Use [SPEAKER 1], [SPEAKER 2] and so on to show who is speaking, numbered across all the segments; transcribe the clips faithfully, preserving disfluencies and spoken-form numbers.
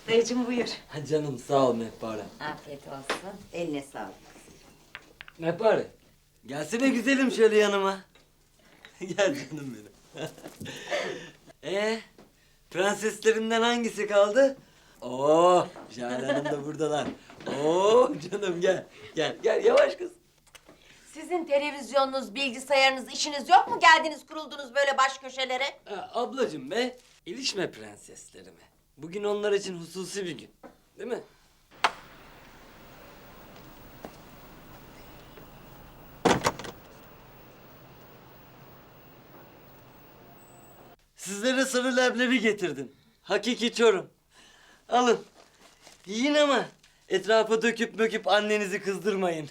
[SPEAKER 1] Dayıcığım buyur.
[SPEAKER 2] Ha canım sağ ol Mehpare.
[SPEAKER 1] Afiyet olsun. Eline sağlık.
[SPEAKER 2] Mehpare. Gelsene güzelim şöyle yanıma. Gel canım benim. Ee, prenseslerimden hangisi kaldı? Oo, Jale Hanım da buradalar. Oo canım gel. Gel gel yavaş kız.
[SPEAKER 3] Sizin televizyonunuz, bilgisayarınız, işiniz yok mu? Geldiniz kuruldunuz böyle baş köşelere.
[SPEAKER 2] Ha, ablacığım be, ilişme prenseslerime. Bugün onlar için hususi bir gün. Değil mi? Sizlere sarı leblebi getirdim. Hakiki Çorum. Alın. Yiyin ama etrafa döküp möküp annenizi kızdırmayın.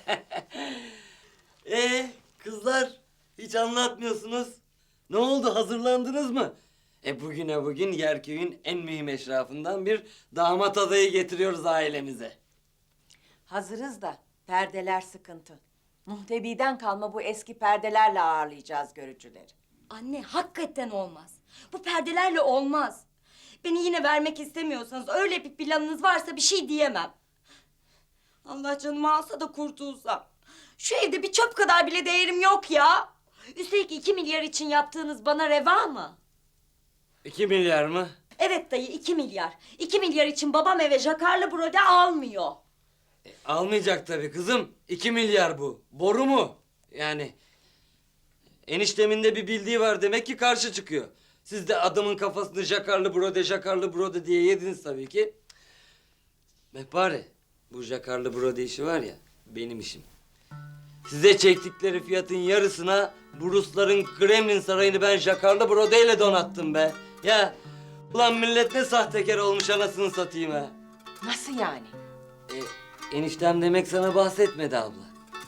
[SPEAKER 2] Ee, kızlar hiç anlatmıyorsunuz. Ne oldu, hazırlandınız mı? E bugüne bugün Yerköy'ün en mühim eşrafından bir damat adayı getiriyoruz ailemize.
[SPEAKER 3] Hazırız da perdeler sıkıntı. Muhtebiden kalma bu eski perdelerle ağırlayacağız görücüleri.
[SPEAKER 4] Anne hakikaten olmaz. Bu perdelerle olmaz. Beni yine vermek istemiyorsanız, öyle bir planınız varsa bir şey diyemem. Allah canımı alsa da kurtulsam. Şu evde bir çöp kadar bile değerim yok ya. Üstelik iki milyar için yaptığınız bana reva mı?
[SPEAKER 2] İki milyar mı?
[SPEAKER 4] Evet dayı, iki milyar. İki milyar için babam eve jakarlı brode almıyor.
[SPEAKER 2] E, almayacak tabii kızım. İki milyar bu. Boru mu? Yani eniştemin de bir bildiği var demek ki karşı çıkıyor. Siz de adamın kafasını jakarlı brode, jakarlı brode diye yediniz tabii ki. Mehpare, bu jakarlı brode işi var ya, benim işim. Size çektikleri fiyatın yarısına bu Rusların Kremlin sarayını ben jakarlı brodeyle donattım be. Ya, ulan millet ne sahtekar olmuş anasını satayım ha.
[SPEAKER 3] Nasıl yani?
[SPEAKER 2] E, eniştem demek sana bahsetmedi abla.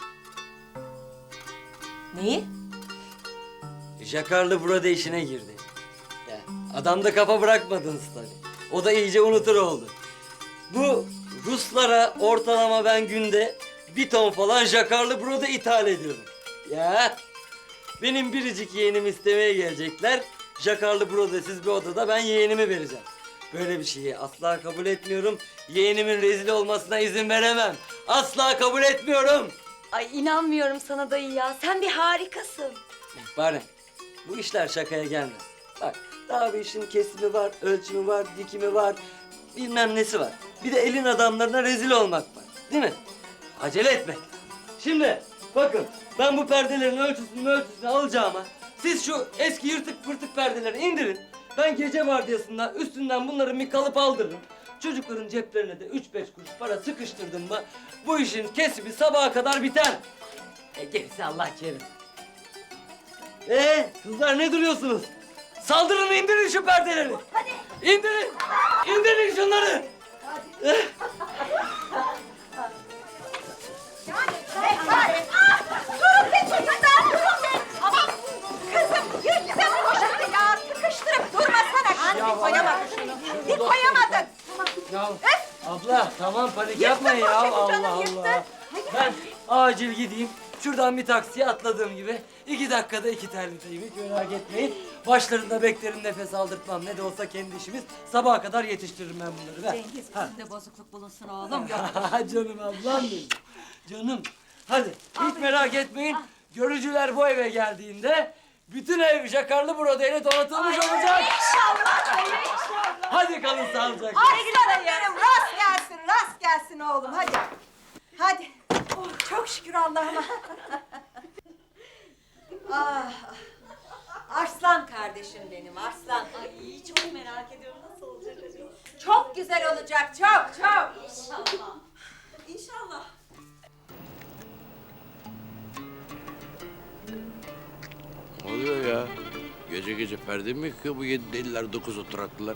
[SPEAKER 3] Neyi?
[SPEAKER 2] Jakarlı brode işine girdi. Ya, adam da kafa bırakmadınız tabii. O da iyice unutur oldu. Bu Ruslara ortalama ben günde bir ton falan jakarlı brode ithal ediyorum. Ya benim biricik yeğenimi istemeye gelecekler. Jakarlı brodesiz bir odada ben yeğenimi vereceğim. Böyle bir şeyi asla kabul etmiyorum. Yeğenimin rezil olmasına izin veremem. Asla kabul etmiyorum.
[SPEAKER 4] Ay inanmıyorum sana dayı ya. Sen bir harikasın.
[SPEAKER 2] Bari bu işler şakaya gelmez. Bak daha bir işin kesimi var, ölçümü var, dikimi var, bilmem nesi var. Bir de elin adamlarına rezil olmak var. Değil mi? Acele etme. Şimdi bakın ben bu perdelerin ölçüsünü ölçüsünü alacağıma siz şu eski yırtık pırtık perdeleri indirin. Ben gece vardiyasında üstünden bunların bir kalıp aldırırım. Çocukların ceplerine de üç beş kuruş para sıkıştırdım mı bu işin kesimi sabaha kadar biter. E gerisi Allah kerim. Ee, kızlar ne duruyorsunuz? Saldırın, indirin şu perdeleri. Hadi. İndirin. İndirin şunları.
[SPEAKER 3] Mehpare! Ah! Durun be çocuklar, durun be! Aman kızım, yürü sen koşun ya! Sıkıştırıp durmasana! Anne, bir koyamadın şunu, bir koyamadın!
[SPEAKER 2] Ya abla tamam panik yapmayın ya. Allah
[SPEAKER 3] canım,
[SPEAKER 2] Allah.
[SPEAKER 3] yırttı.
[SPEAKER 2] Ben acil gideyim. Şuradan bir taksiye atladığım gibi iki dakikada iki terliteyim. Hiç merak etmeyin. Başlarında beklerim, nefes aldırtmam. Ne de olsa kendi işimiz. Sabaha kadar yetiştiririm ben bunları. Ver.
[SPEAKER 4] Cengiz
[SPEAKER 2] Ha.
[SPEAKER 4] bizde bozukluk bulunsun oğlum. Yok.
[SPEAKER 2] Canım ablam benim. Canım. Hadi hiç merak etmeyin. Görücüler bu eve geldiğinde bütün ev jakarlı brodeyle donatılmış olacak.
[SPEAKER 3] İnşallah, inşallah!
[SPEAKER 2] Hadi kalın sağlıcakla.
[SPEAKER 3] Aslanım benim, rast gelsin, rast gelsin oğlum, hadi! Hadi! Oh, çok şükür Allah'ıma! ah, arslan kardeşim benim, arslan!
[SPEAKER 4] Ay çok merak ediyorum nasıl olacak acaba?
[SPEAKER 3] Çok güzel olacak, çok, çok!
[SPEAKER 4] İnşallah. İnşallah.
[SPEAKER 5] Ne oluyor ya? Gece gece perde mi yıkıyor bu yedi deliler, dokuz oturaklılar?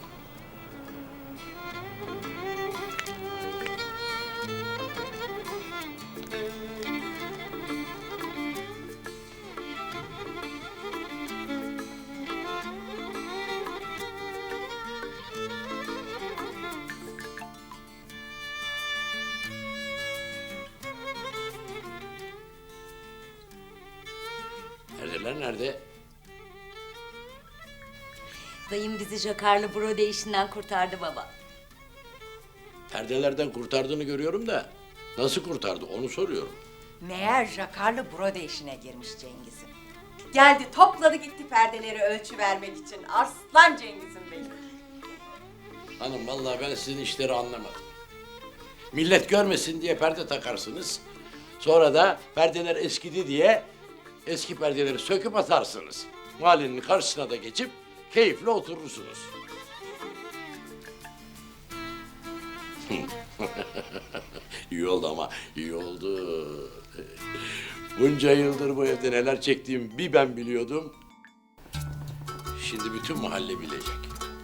[SPEAKER 5] Neredeler, nerede?
[SPEAKER 4] Dayım bizi jakarlı brode işinden kurtardı baba.
[SPEAKER 5] perdelerden kurtardığını görüyorum da nasıl kurtardı onu soruyorum.
[SPEAKER 3] Meğer jakarlı brode işine girmiş Cengiz'im. Geldi topladı gitti perdeleri ölçü vermek için. Arslan Cengiz'im benim.
[SPEAKER 5] Hanım vallahi ben sizin işleri anlamadım. Millet görmesin diye perde takarsınız. Sonra da perdeler eskidi diye eski perdeleri söküp atarsınız. Mahallenin karşısına da geçip keyifle oturursunuz. İyi oldu ama iyi oldu. Bunca yıldır bu evde neler çektiğimi bir ben biliyordum. Şimdi bütün mahalle bilecek.